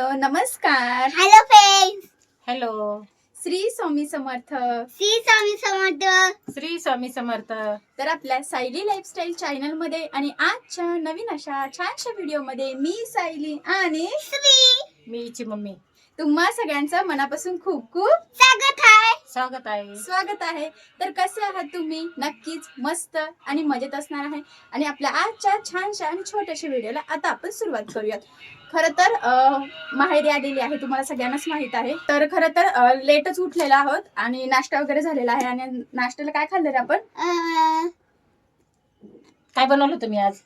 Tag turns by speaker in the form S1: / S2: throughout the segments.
S1: Hello नमस्कार.
S2: Hello friends.
S3: Hello.
S1: Shri Swami Samarth.
S2: Shri Swami Samarth.
S3: Shri Swami Samarth.
S1: तर आपल्या सायली लाईफस्टाईल चॅनल मध्ये आणि आजच्या नवीन अशा छानशा व्हिडिओ मध्ये मी सायली आणि
S2: श्री
S3: मी हिची मम्मी
S1: तुम्हा सगळ्यांचं मनापासून खूप खूप
S3: स्वागत आहे.
S1: स्वागत आहे. तर कसे आहात तुम्ही? नक्कीच मस्त आणि मजेत असणार आहे. आणि आपल्या आजच्या छानशा आणि छोट्याशा व्हिडिओला आता आपण सुरुवात करूयात. खरं तर माहेरी आलेली आहे, तुम्हाला सगळ्यांनाच माहित आहे. तर खरं तर लेटच उठलेला आहोत आणि नाश्ता वगैरे झालेला आहे. आणि नाश्त्याला काय खाल्लं रे आपण?
S3: काय बनवलं तुम्ही आज?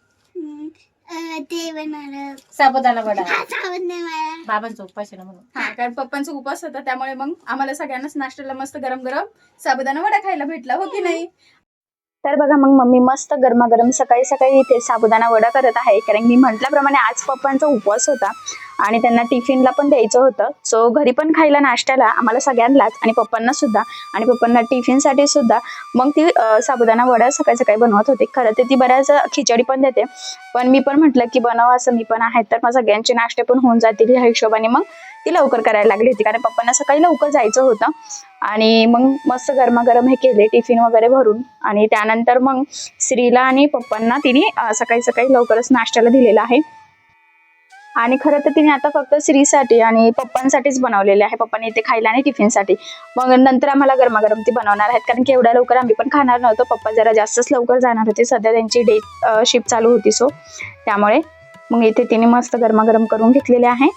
S2: ते बनवलं
S3: साबुदाणा वडा.
S2: साबुदाणा.
S3: बाबांचा उपवास आहे ना म्हणून.
S1: हा, कारण पप्पांचा उपवास होता, त्यामुळे मग आम्हाला सगळ्यांनाच नाश्त्याला मस्त गरम गरम साबुदाणा वडा खायला भेटला, हो की नाही? तर बघा मग मम्मी मस्त गरमागरम सकाळी सकाळी इथे साबुदाणा वडा करत आहे, कारण मी म्हटल्याप्रमाणे आज पप्पांचा उपवास होता आणि त्यांना टिफिनला पण द्यायचं होतं. सो घरी पण खायला नाश्त्याला आम्हाला सगळ्यांनाच आणि पप्पांना सुद्धा, आणि पप्पांना टिफिनसाठी सुद्धा मग ती साबुदाणा वडा सकाळी सकाळी बनवत होते. खरं तर ती बऱ्याच खिचडी पण देते, पण मी पण म्हटलं की बनवा, असं मी पण आहे तर मग सगळ्यांचे नाश्ते पण होऊन जातील ह्या हिशोबाने मग ती लवकर करायला लागली होती, कारण पप्पांना सकाळी लवकर जायचं होतं. आणि मग मस्त गरमागरम हे केले टिफिन वगैरे भरून. आणि त्यानंतर मग श्रीला आणि पप्पांना तिने सकाळी सकाळी लवकरच नाश्त्याला दिलेला आहे. आणि खरं तर तिने आता फक्त श्रीसाठी आणि पप्पांसाठीच बनवलेले आहे, पप्पांनी इथे खायला आणि टिफिनसाठी. मग नंतर आम्हाला गरमागरम ती बनवणार आहेत, कारण की एवढ्या लवकर आम्ही पण खाणार नव्हतो. पप्पा जरा जास्तच लवकर जाणार होते, सध्या त्यांची डे शिफ्ट चालू होती, सो त्यामुळे मग इथे तिने मस्त गरमागरम करून घेतलेले आहे.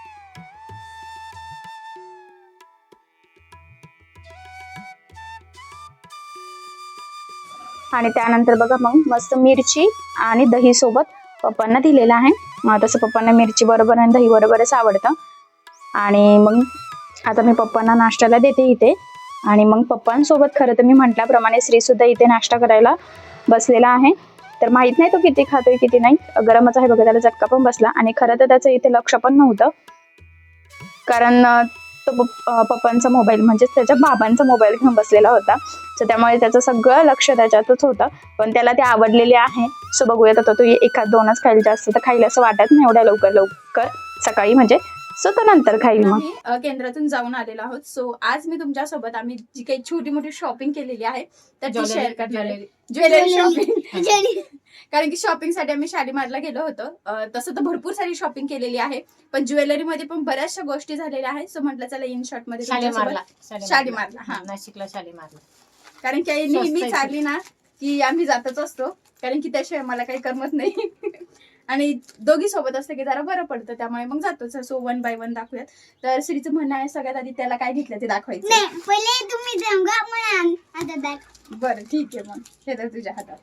S1: आणि त्यानंतर बघा मग मस्त मिरची आणि दही सोबत पप्पांना दिलेलं आहे. तसं पप्पांना मिरची बरोबर आणि दही बरोबरच आवडतं. आणि मग आता मी पप्पांना नाश्त्याला देते इथे. आणि मग पप्पांसोबत खरं तर मी म्हटल्याप्रमाणे श्री सुद्धा इथे नाश्ता करायला बसलेला आहे. तर माहित नाही तो किती खातोय किती नाही, गरमच आहे बघा, त्याला चटका पण बसला. आणि खरं तर त्याचं इथे लक्ष पण नव्हतं, कारण तो पप्पांचा मोबाईल म्हणजेच त्याच्या बाबांचा मोबाईल घेऊन बसलेला होता. सो त्यामुळे त्याचं सगळं लक्ष त्याच्यातच होतं. पण त्याला ते आवडलेले आहे, सो बघूयात आता तो एखाद दोनच खाईल, जास्त तर खाईल असं वाटत नाही एवढ्या लवकर सकाळी, म्हणजे सो तो नंतर खाईल. मग आम्ही केंद्रातून जाऊन आलेलो आहोत. सो आज मी तुमच्यासोबत आम्ही जी काही छोटी मोठी शॉपिंग केलेली आहे तर ती शेअर करणार आहे. Jewellery shopping. कारण की शॉपिंग साठी आम्ही शालीमारला गेलो होतो. तसं तर भरपूर सारी शॉपिंग केलेली आहे, पण ज्वेलरी मध्ये पण बऱ्याचशा गोष्टी झालेल्या आहेत. सो म्हटलं चला इन शॉर्ट मध्ये शालीमारला. हा,
S3: नाशिकला शालीमारला.
S1: कारण की नेहमी चालली ना की आम्ही जातच असतो, कारण की त्याशिवाय मला काही करमत नाही. आणि दोघी सोबत असतं की जरा बरं पडतं, त्यामुळे मग जातोच. सो 1 बाय 1 दाखवूयात. तर श्रीचं म्हणणं आहे सगळ्यात आधी त्याला काय घेतलं ते दाखवायचं.
S2: नाही, पहिले तुम्ही सांगा, मग आता दाखव.
S1: बरं ठीक आहे, मग हे तर तुझ्या हातात.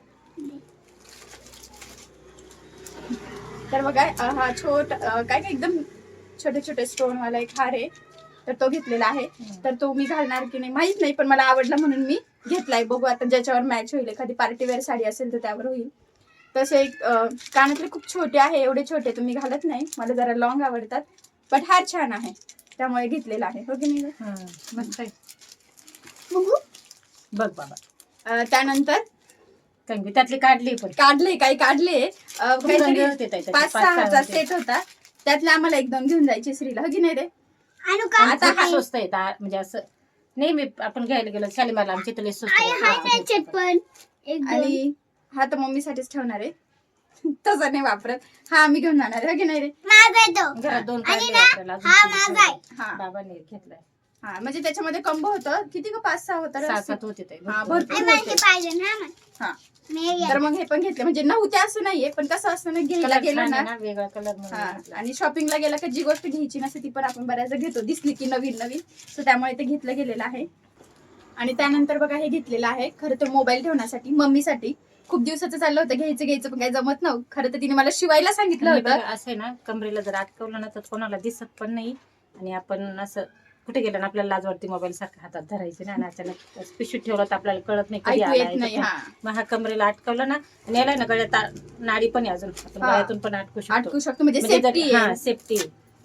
S1: तर बघा हा काय काय एकदम छोटे छोटे स्टोन वाला एक हार आहे, तर तो घेतलेला आहे. तर तो मी घालणार की नाही माहित नाही, पण मला आवडला म्हणून मी घेतलाय. बघू आता ज्याच्यावर मॅच होईल, एखादी पार्टीवेअर साडी असेल तर त्यावर होईल. तसे एक कानातले खूप छोटे आहे, एवढे छोटे तुम्ही घालत नाही, मला जरा लॉंग आवडतात, पण हार छान आहे त्यामुळे घेतलेला आहे, हो की नाही?
S3: मस्त आहे.
S2: बघू.
S3: बघ बाबा.
S1: त्यानंतर
S3: त्यातली काढली पण
S1: काढले काहीतरी
S3: होते ताई,
S1: 5-6 सेट होता, त्यातले आम्हाला 1-2 घेऊन जायचे श्रीला, हो की नाही रे?
S2: आणू का?
S3: आता हा स्वस्त आहे म्हणजे असं नेहमी आपण घ्यायला गेलो शालीमारला आमच्या इथले स्वस्त
S2: हाय
S3: आहे.
S2: चटपण एकदम.
S1: आणि हा तर मम्मीसाठीच ठेवणार आहे, तसा नाही वापरत. हा आम्ही घेऊन जाणार आहे, हो की नाही रे?
S2: माझा आहे तो.
S3: घरात 2
S2: आणि
S3: काढले
S2: ना,
S3: वापरायला, अजून
S2: हा
S3: 3
S2: माझा आहे.
S3: ठेवले.
S1: हा
S3: बाबांनी घेतलाय.
S1: हा, म्हणजे त्याच्यामध्ये कंबो होतं किती का 5-6 होतं,
S3: 6-7 होते ताई.
S1: हा,
S3: भरपूर
S1: भरपूर.
S2: आणि मला ते पाहिजे ना मग.
S1: हा,
S2: मी
S1: तर मग हे पण घेतले, म्हणजे नव्हते असं नाहीये, पण कसं असतं ना, घ्यायला
S3: कलर
S1: गेलं
S3: छान आहे
S1: ना.
S3: ना, वेगळा कलर
S1: हा,
S3: म्हणून घेतला.
S1: आणि शॉपिंगला गेला का जी गोष्ट घ्यायची नसते ती पण आपण बऱ्याचदा घेतो, दिसली की नवीन नवीन. सो त्यामुळे ते घेतलं गेलेलं आहे. आणि त्यानंतर बघा हे घेतलेलं आहे, खरं तर मोबाईल ठेवण्यासाठी, मम्मीसाठी. खूप दिवसाचं चाललं होतं घ्यायचं पण काही जमत नव्हतं. खरं तर तिने मला शिवायला सांगितलं
S3: आणि
S1: होतं.
S3: बघा, असं आहे ना, कमरेला जर अटकवलं ना तर कोणाला दिसत पण नाही, आणि आपण असं कुठे गेलं ना आपल्याला लाज वाटते मोबाईल सारखं हातात धरायचे ना, आणि अचानक पिशवीत ठेवलं तर आपल्याला कळत नाही कधी
S1: ऐकू येत
S3: आला
S1: नाही. हा,
S3: मग हा कमरेला अटकवलं ना, आणि याला ना गळ्यात नाडी पण आहे, अजून आपण
S1: हा.
S3: गळ्यातून पण अटकू
S1: अटकू
S3: शकतो.
S1: शकतो, म्हणजे सेफ्टी आहे.
S3: सेफ्टी.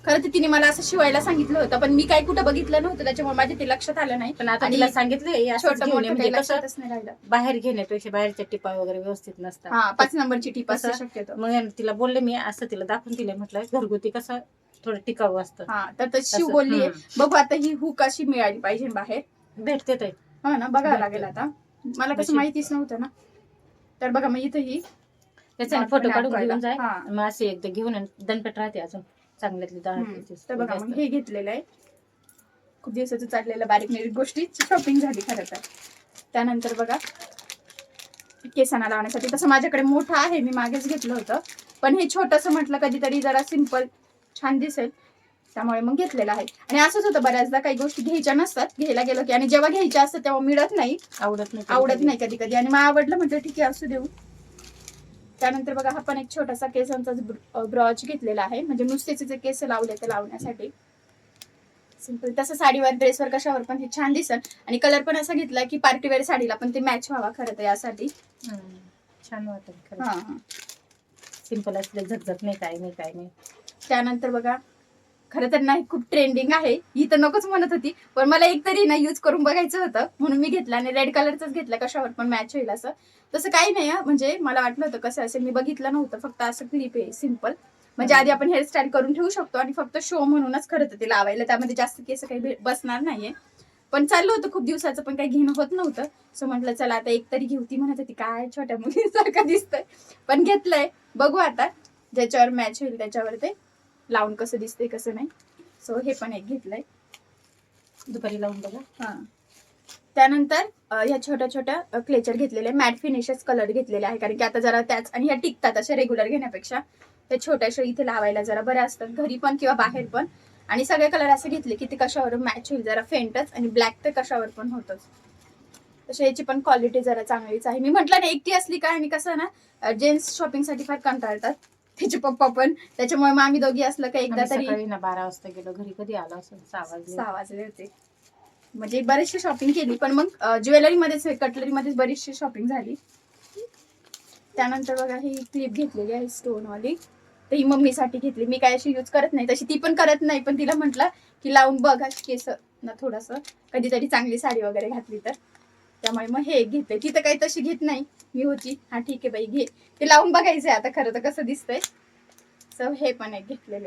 S1: खरं तर तिने मला असं शिवायला सांगितलं होतं, पण मी काय कुठं बघितलं नव्हतं, त्याच्यामुळे माझ्या ते लक्षात आलं नाही.
S3: पण आता
S1: आणि
S3: तिला सांगितलं
S1: छोटं मोठं
S3: म्हणजे
S1: काही
S3: कसं
S1: लक्षातच नाही राहिलं.
S3: बाहेर घेण्यापेक्षा बाहेरच्या टिपा वगैरे व्यवस्थित नसतात.
S1: हा 5 नंबरची टीप असू
S3: कसं?
S1: शक्यतो.
S3: मग तिला बोलले मी असं तिला दाखवून दिले, म्हटलं घरगुती कसं थोडं टिकाऊ असतं.
S1: हा तर शिव
S3: असं,
S1: बोललीये बघू आता ही हुक अशी मिळाली पाहिजे बाहेर.
S3: भेटते ते.
S1: हो ना, बघावं
S3: भेटते.
S1: लागेल आता. मला कसं
S3: नशीब.
S1: माहितीच नव्हतं ना. तर बघा मग इथं ही
S3: त्याचा
S1: डॉट
S3: फोटो
S1: पण
S3: काढून
S1: अडकवायला.
S3: घेऊन जाय.
S1: हा.
S3: मग असे एकदा घेऊन दणपट राहते अजून चांगल्यातली
S1: तर बघा मग हे घेतलेलं आहे. खूप दिवसाचं चाललेलं बारीक निरीक गोष्टी शॉपिंग झाली खरं तर. त्यानंतर बघा केसांना लावण्यासाठी तसं माझ्याकडे मोठं आहे, मी मागेच घेतलं होतं, पण हे छोटंसं म्हटलं कधीतरी जरा सिंपल छान दिसेल, त्यामुळे मग घेतलेलं आहे. आणि असंच होतं बऱ्याचदा, काही गोष्टी घ्यायच्या नसतात, घ्यायला गेलो की, आणि जेव्हा घ्यायच्या असतात तेव्हा मिळत नाही, आवडत नाही कधी कधी, आणि मग आवडलं म्हटलं ठीक आहे असू देऊ. त्यानंतर बघा हा पण एक छोटासा केसांचा ब्रॉच घेतलेला आहे, म्हणजे नुसतेच जे केस लावले ते लावण्यासाठी सिंपल. तसं साडीवर ड्रेसवर कशावर पण हे छान दिसल. आणि कलर पण असा घेतला की पार्टीवेअर साडीला पण ते मॅच व्हावा खरं तर यासाठी.
S3: छान वाटत.
S1: हा.
S3: सिंपल असले झगझग नाही, काय नाही काय नाही.
S1: त्यानंतर बघा खरं तर नाही खूप ट्रेंडिंग आहे, ही तर नकोच म्हणत होती, पण मला एक तरी ना यूज करून बघायचं होतं म्हणून मी घेतलं, आणि रेड कलरचाच घेतला, कशावर पण मॅच होईल असं. तसं काही नाही म्हणजे मला वाटलं होतं कसं असेल, मी बघितलं नव्हतं, फक्त असं क्लिप आहे सिंपल, म्हणजे आधी आपण हेअरस्टाईल करून ठेवू शकतो, आणि फक्त शो म्हणूनच खरं तर ते लावायला, त्यामध्ये जास्त केस काही बसणार नाहीये. पण चाललं होतं खूप दिवसाचं, पण काही घेणं होत नव्हतं, सो म्हटलं चला आता एक तरी घेऊ. ती म्हणत होती काय छोट्या मुलीसारखं दिसतंय, पण घेतलंय, बघू आता ज्याच्यावर मॅच होईल त्याच्यावर ते लावून कसं दिसतंय कसं नाही. सो हे पण एक घेतलंय,
S3: दुपारी लावून बघा.
S1: हा. त्यानंतर ह्या छोट्या छोट्या क्लेचर घेतलेले, मॅट फिनिशच कलर घेतलेले आहे, कारण की आता जरा त्याच, आणि ह्या टिकतात अशा रेग्युलर घेण्यापेक्षा, त्या छोट्याशा इथे लावायला जरा बऱ्या असतात, घरी पण किंवा बाहेर पण. आणि सगळे कलर असे घेतले की ते कशावर मॅच होईल, जरा फेंटच, आणि ब्लॅक तर कशावर पण होतच. तशी याची पण क्वालिटी जरा चांगलीच आहे. मी म्हटलं ना एकटी असली काय, आणि कसं ना जेंट्स शॉपिंगसाठी फार कंटाळतात, तिचे पप्पा पण, त्याच्यामुळे मग आम्ही दोघी असलं का एकदा तरी.
S3: सकाळी ना 12 वाजता गेलो, घरी कधी आलो असं 6
S1: वाजले होते, म्हणजे बरेचशी शॉपिंग केली, पण मग ज्वेलरी मध्येच कटलरी मध्येच बरीचशी शॉपिंग झाली. त्यानंतर बघा ही क्लिप घेतलेली आहे स्टोन वाली, तर ही मम्मीसाठी घेतली, मी काय अशी यूज करत नाही, तशी ती पण करत नाही, पण तिला म्हटलं की लावून बघ अशी केस ना थोडंसं, कधीतरी चांगली साडी वगैरे घातली तर, त्यामुळे मग हे एक घेतलंय. ती तर काही तशी घेत नाही, मी होती हा ठीक आहे बाई घे, ते लावून बघायचंय आता खरं तर कसं दिसतंय. सो हे पण एक घेतलेले.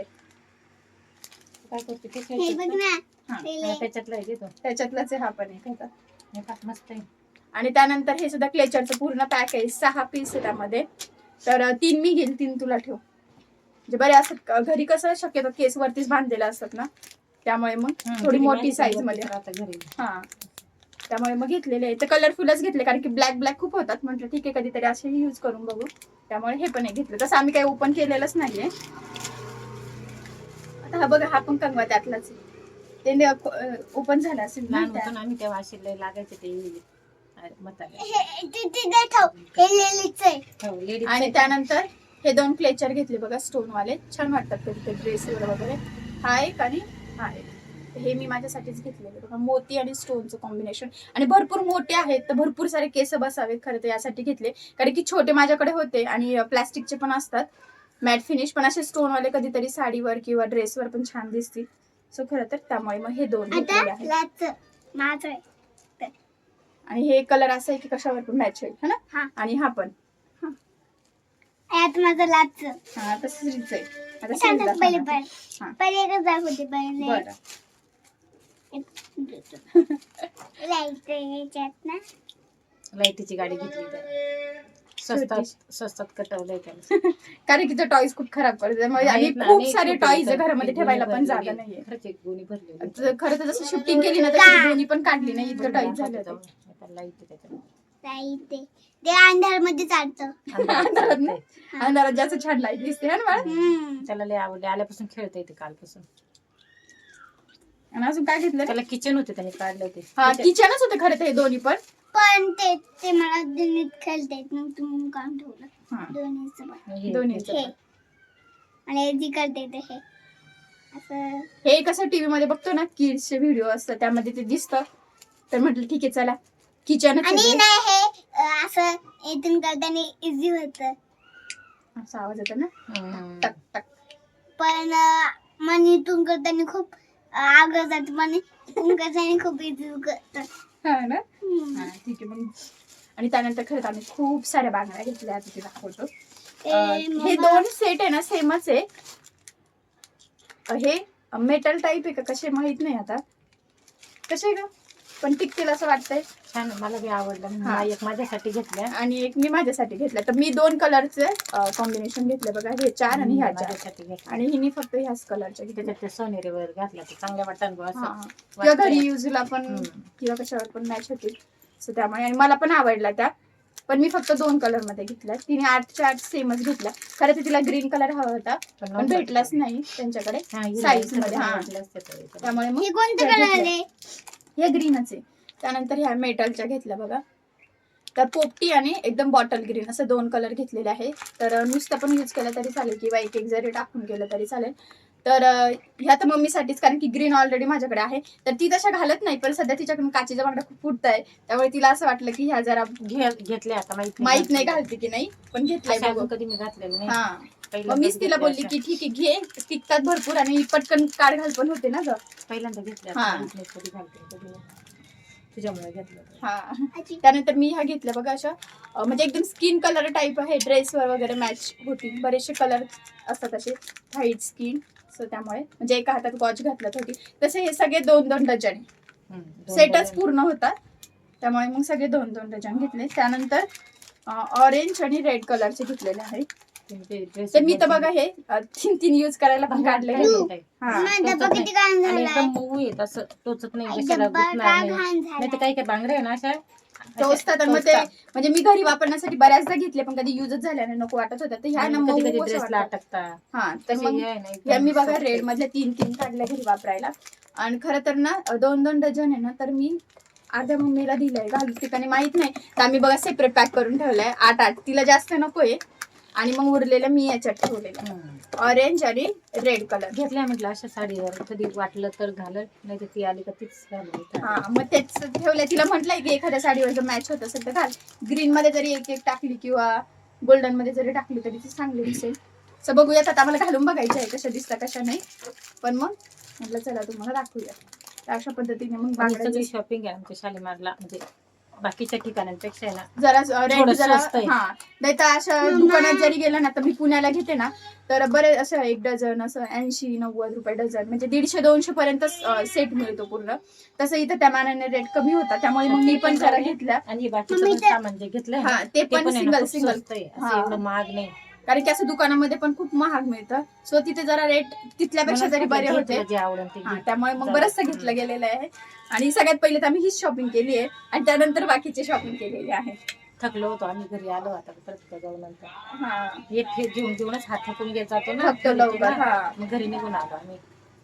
S3: काय करते
S2: हे बघ ना
S3: त्याच्यातला आहे तो.
S1: त्याच्यातलाच आहे हा पण एक होता.
S3: हे फार मस्त आहे.
S1: आणि त्यानंतर हे सुद्धा क्लेचरचं पूर्ण पॅक आहे, 6 पीस आहे त्यामध्ये, तर 3 मी घेईल, 3 तुला ठेव, म्हणजे बरे असतात घरी, कसं शक्यतो केस वरतीच बांधलेला असतात ना, त्यामुळे मग थोडी मोठी साईज मध्ये.
S3: घरी
S1: हा, त्यामुळे मग घेतलेले आहे, तर कलरफुलच घेतले, कारण की ब्लॅक खूप होतात, म्हटलं ठीक आहे कधीतरी असेही यूज करून बघू, त्यामुळे हे पण एक घेतलं. तसं आम्ही काही ओपन केलेलंच नाहीये. आता हा बघा, हा पण कंगवा त्यातलाच आहे, ते ओपन झालं असेल ना.
S3: लहान होतो ना आम्ही तेव्हा असे लय लागायचे ते मताले.
S1: आणि त्यानंतर हे 2 क्लेचर घेतले बघा स्टोन वाले, छान वाटतात कधी ते ड्रेसवर वगैरे. हा एक आणि हा एक, हे मी माझ्यासाठीच घेतलेले बघा, मोती आणि स्टोनचं कॉम्बिनेशन, आणि भरपूर मोठे आहेत, तर भरपूर सारे केस बसावेत खरं तर यासाठी घेतले, कारण की छोटे माझ्याकडे होते, आणि प्लास्टिकचे पण असतात मॅट फिनिश, पण असे स्टोनवाले कधीतरी साडीवर किंवा ड्रेसवर पण छान दिसतील. सो खरं तर त्यामुळे मग हे 2 घेतलेले आहेत. आणि हे कलर असं आहे की कशावर पण मॅच होईल, है ना. आणि हा पण
S2: माझं लाच
S1: हा तसंच आहे. आता
S2: सांगतात
S1: समजा
S2: पहिले
S1: सांगा.
S2: पण
S1: हा.
S2: पहिले एकच दाखवते पहिले
S1: बरं.
S2: लाईट याच्यात ना
S3: लाईटीची गाडी घेतली स्वस्तात कटवलंय त्याला.
S1: कारण की तो टॉईज खूप खराब करतो, आणि
S3: आहेत ना,
S1: खूप
S3: अनेक
S1: सारे
S3: छोटे
S1: टॉईज
S3: तर
S1: घरामध्ये
S3: एक
S1: ठेवायला
S3: गोणी
S1: पण
S3: भरलेली
S1: जागा
S3: आहे.
S1: नाहीये.
S3: खरंच एक गोणी भरलेली आहे.
S1: तर खरं तर जसं शिफ्टिंग केली ना तशी दोन्ही पण काढली नाही, इतकं टॉईज झालं होतं.
S3: लाईट आहे त्याच्यात.
S2: लाईट ते अंधार मध्ये चालतं.
S1: अंधारात ना, अंधारात जास्त छान लाईट दिसते ना बाळा.
S3: त्याला लय आवडले, आल्यापासून खेळता येते कालपासून.
S1: आणि अजून काय घेतलं?
S3: त्याला किचन होते, त्याने काढले होते.
S1: हा किचनच होते खरं ते दोन्ही पण.
S2: पण ते मला दोन्हीत खेळता येत नव्हतं म्हणून काम ठेवलं.
S1: हा.
S2: दोन्हीचं पण.
S1: दोन्हीचं
S2: हे
S1: पण.
S2: आणि जी करता येते हे असं.
S1: हे कसं टीव्ही मध्ये बघतो ना किड्सचे व्हिडिओ असतात, त्यामध्ये ते दिसतं, तर म्हटलं ठीक आहे चला किचनच
S2: आणि
S1: आहे.
S2: नाही हे असं इथून करताना इझी होतं.
S1: असा आवाज येतो ना,
S3: हम्म.
S1: टक टक.
S2: पण मनी तुम करताना खूप आग्रह जात मनी तुम करताना खूप इझी करतात.
S1: हा ना. हा, ठीक आहे मग. आणि त्यानंतर खरंच आम्ही खूप साऱ्या बांगड्या घेतल्या, आता ते दाखवतो. हे 2 सेट आहे ना सेमच आहे. हे मेटल टाईप आहे का कसे माहित नाही आता, कसे का पण टिकतील असं वाटतंय.
S3: छान आहे, मला बी आवडलं.
S1: हा.
S3: एक माझ्यासाठी घेतल्या
S1: आणि एक मी माझ्यासाठी घेतला. तर मी 2 कलरचे कॉम्बिनेशन घेतले बघा, हे 4 आणि ह्या 4.
S3: माझ्यासाठी घेतल्या.
S1: आणि हिने फक्त ह्याच कलरच्या घेतल्या.
S3: त्याच्यात ते सोनेरी वगैरे घातलं तर चांगल्या वाटतं बा
S1: हा.
S3: असं
S1: किंवा घरी
S3: वाटतंय.
S1: युजला पण किंवा कशावर पण मॅच होतील. सो त्यामुळे आणि मला पण आवडला त्या. पण मी फक्त 2 कलर मध्ये घेतल्या. तिने 8च्या 8 सेमच घेतल्या. खरं तर तिला ग्रीन कलर हवा होता पण भेटलाच नाही त्यांच्याकडे साईज मध्ये. हा, त्यामुळे मग
S2: हे कोणतं
S1: त्या
S2: कलर
S1: घेतल्या.
S2: आहे?
S1: हे ग्रीनच आहे. त्यानंतर ह्या मेटलच्या घेतल्या बघा. तर पोपटी आणि एकदम बॉटल ग्रीन असं 2 कलर घेतलेले आहे. तर नुसतं पण यूज केलं तरी चालेल किंवा एक एक जरी टाकून केलं तरी चालेल. तर ह्या तर मम्मीसाठीच, कारण की ग्रीन ऑलरेडी माझ्याकडे आहे. तर ती तशा घालत नाही, पण सध्या तिच्याकडून काचेच्या बांगड्या खूप फुटत आहे. त्यामुळे तिला असं वाटलं की ह्या जरा
S3: घेतल्या. आता
S1: माहित नाही घालते की नाही, पण घेतलंय बघू.
S3: कधी मी घातलेलं नाही.
S1: हा,
S3: पहिल्यांदाच
S1: मग मीच तिला
S3: घेतल्या
S1: बोलली
S3: अशा.
S1: की ठीक आहे घे, टिकतात भरपूर आणि पटकन काढ घाल पण होते ना ग.
S3: पहिल्यांदा घेतल्या.
S1: हा.
S3: आता माहित नाही कधी घालते कधी नाही. तुझ्यामुळे घेतलं.
S1: हा, त्यानंतर मी ह्या घेतल्या बघा अशा म्हणजे एकदम स्किन कलर टाईप आहे. ड्रेसवर वगैरे मॅच होती. बरेचसे कलर असतात असे व्हाईट स्किन. सो त्यामुळे म्हणजे एका हातात वॉच घातलं होती. तसे हे सगळे 2-2 डझन सेटच पूर्ण होता. त्यामुळे मग सगळे 2-2 डझन घेतले. त्यानंतर ऑरेंज आणि रेड कलरचे घेतलेले आहे. तर मी तर बघा हे 3 यूज करायला पण काढले. हा,
S2: माझा डब्बा किती घाण
S3: आणि
S2: झालाय.
S3: एकदम मऊ येत असं टोचत नाही,
S2: आई,
S3: कशाला
S2: डब्बा
S3: गुंतणार
S2: का
S3: नाही.
S2: घाण
S3: नाही तर
S2: झालाय.
S3: काही काही बांगड्या आहे ना अशा
S1: टोचतात. आणि मग ते म्हणजे मी घरी वापरण्यासाठी बऱ्याचदा घेतले पण कधी युजच झाल्याने नको वाटत होता. तर ह्या ना
S3: कधी
S1: मऊ
S3: कधी
S1: असं
S3: ड्रेसला
S1: वाटतं.
S3: अटकता.
S1: हा, तर मग या मी बघा रेड मधले 3 काढल्या घरी वापरायला. आणि खरं तर ना 2-2 डझन आहे ना, तर मी अर्ध्या मम्मीला दिलंय घालून ठिकाणी माहित नाही. तर आम्ही बघा सेपरेट पॅक करून ठेवलंय 8-8. तिला जास्त नकोय आणि मग उरलेलं मी याच्यात ठेवलेलं ऑरेंज आणि रेड कलर
S3: घेतल्या. म्हटलं अशा साडीवर कधी वाटलं तर घालत, नाही तर ती आली का तीच घालत.
S1: हा, मग तेच ठेवलंय. तिला म्हटलंय की एखाद्या साडीवर जर मॅच होत असेल तर घाल. ग्रीन मध्ये जरी एक एक टाकली किंवा गोल्डन मध्ये जरी टाकली तरी ती चांगली दिसेल. सो बघूयात आता, आम्हाला घालून बघायचं आहे कशा दिसतात कशा नाही. पण मग म्हटलं चला तुम्हाला दाखवूया. तर अशा पद्धतीने मग बांगड्याची
S3: शॉपिंग आहे आमच्या शालीमारला, म्हणजे बाकीच्या ठिकाणांपेक्षा आहे ना
S1: जरा रेट जरा.
S3: स्वस्त आहे.
S1: हा, नाही तर अशा दुकानात जरी गेलं ना, तर मी पुण्याला घेते ना, तर बरेच असं 1 डझन असं 80-90 रुपये डझन म्हणजे 150-200 पर्यंत सेट मिळतो पूर्ण. तसं इथं त्या मानाने रेट कमी होता. त्यामुळे मग मी पण जरा घेतल्या.
S3: आणि बाकीचं पण सामान जे घेतलंय
S1: हा,
S3: ना,
S1: ते पण
S3: आहे ना,
S1: सिंगल
S3: खूप
S1: सिंगल
S3: स्वस्त आहे. असं
S1: हा.
S3: एवढं महाग नाही.
S1: कारण की असं दुकानामध्ये पण खूप महाग मिळतं. सो तिथे जरा रेट तिथल्यापेक्षा जरी बरे होते.
S3: जे आवडेल ते
S1: हा,
S3: घे.
S1: त्यामुळे मग
S3: जरा.
S1: बरंचसं घेतलं गेलेलं आहे. आणि सगळ्यात पहिले तर आम्ही हीच शॉपिंग केली आहे आणि त्यानंतर बाकीची शॉपिंग केलेली आहे.
S3: थकलो होतो आम्ही, घरी आलो आता परत जाऊ नंतर.
S1: हा,
S3: एक हे घेऊन घेऊनच हात थकून घेत जातो ना,
S1: फक्त लवकर. हा,
S3: मग घरी निघून आलो आम्ही.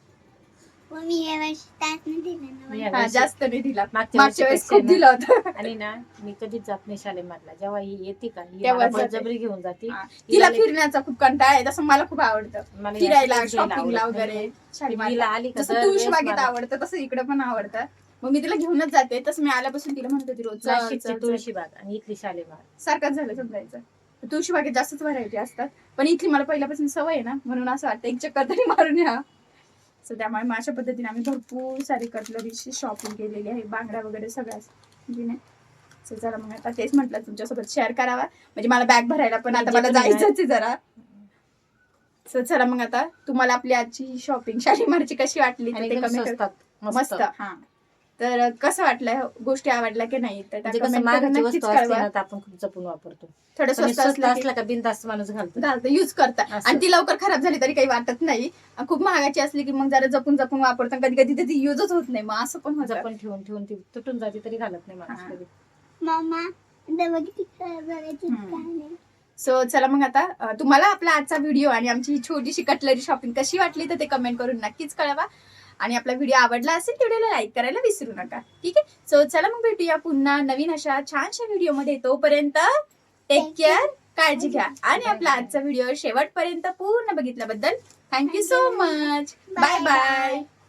S2: मम्मी या वर्षी तास नाही दिला ना
S3: मी
S2: मला.
S3: या
S1: हा,
S3: वर्षी-
S1: जास्त नाही दिला.
S3: मागच्या
S1: मागच्या वेळेस
S3: वर्षीपेक्षा
S1: खूप दिलं होतं.
S3: आणि ना मी कधीच जात नाही शालेमारला. जेव्हा ही येते का ही
S1: तेव्हा
S3: मला
S1: जाते.
S3: बळजबरी घेऊन जाते.
S1: हा, तिला फिरण्याचा खूप कंटाळा आहे. तसं मला खूप आवडतं
S3: मला
S1: फिरायला,
S3: याच्यातच घ्यायला
S1: शॉपिंगला
S3: आवडत
S1: वगैरे.
S3: नाही.
S1: शालीमारला
S3: हिला आली का
S1: जसं
S3: दरवेळेस
S1: तुळशीबागेत
S3: मला-
S1: आवडतं तसं इकडे पण आवडतं. मग मी तिला घेऊनच जाते. तसं मी आल्यापासून तिला म्हणत होती रोज चल,
S3: नाशिकची
S1: चल, चल.
S3: तुळशीबाग आणि इथली शालेमार.
S1: सारखंच झालं समजायचं. तुळशीबागेत जास्तच व्हरायटी असतात. पण इथली मला पहिल्यापासून सवय आहे ना, म्हणून असं वाटतं एक चक्कर तरी मारून या. सो त्यामुळे मग अशा पद्धतीने आम्ही भरपूर सारी कटलरीची शॉपिंग केलेली आहे. बांगड्या वगैरे सगळ्याच म्हणजे. सो चला मग आता तेच म्हटलं तुमच्यासोबत शेअर करावा. म्हणजे मला बॅग भरायला पण आता मला जायचंच आहे जरा. सो चला मग आता तुम्हाला आपली आजची शॉपिंग शालीमारची कशी वाटली
S3: आणि
S1: ते
S3: एकदम
S1: कमेंट
S3: स्वस्तात.
S1: मस्त. हा, तर कसं वाटलं, गोष्टी आवडल्या की नाही तर
S3: म्हणजे
S1: त्या
S3: कसं
S1: comment
S3: महागाची
S1: करून नक्कीच
S3: वस्तू असते
S1: कळवा.
S3: ना तर आपण खूप जपून वापरतो.
S1: थोडं
S3: पण
S1: स्वस्त
S3: स्वस्त
S1: असलं की
S3: असला का बिनधास्त माणूस घालतो.
S1: घालतं, यूज करता.
S3: असं.
S1: आणि ती लवकर खराब झाली तरी काही वाटत नाही. आणि खूप महागाची असली की मग जरा जपून जपून वापरतो. कधी कधी ती युजच होत नाही, मग असं पण होतं.
S3: जपून ठेवून ठेवून ती तुटून जाते तरी घालत नाही माणूस
S1: हा.
S3: कधी.
S2: मम्मा डबा किती खराब झाला किती
S1: हम्म.
S2: काय नाही.
S1: सो चला मग आता तुम्हाला आपला आजचा व्हिडिओ आणि आमची ही छोटीशी कटलरी शॉपिंग कशी वाटली तर ते कमेंट करून नक्कीच कळवा. आणि आपला व्हिडिओ आवडला असेल व्हिडिओला लाईक करायला विसरू नका. ठीक आहे. सो चला मग भेटूया पुन्हा नवीन अशा छानशा व्हिडिओमध्ये. तोपर्यंत टेक केअर, काळजी घ्या. आणि आपला आजचा व्हिडिओ शेवटपर्यंत पूर्ण बघितल्याबद्दल thank you so much. Bye bye.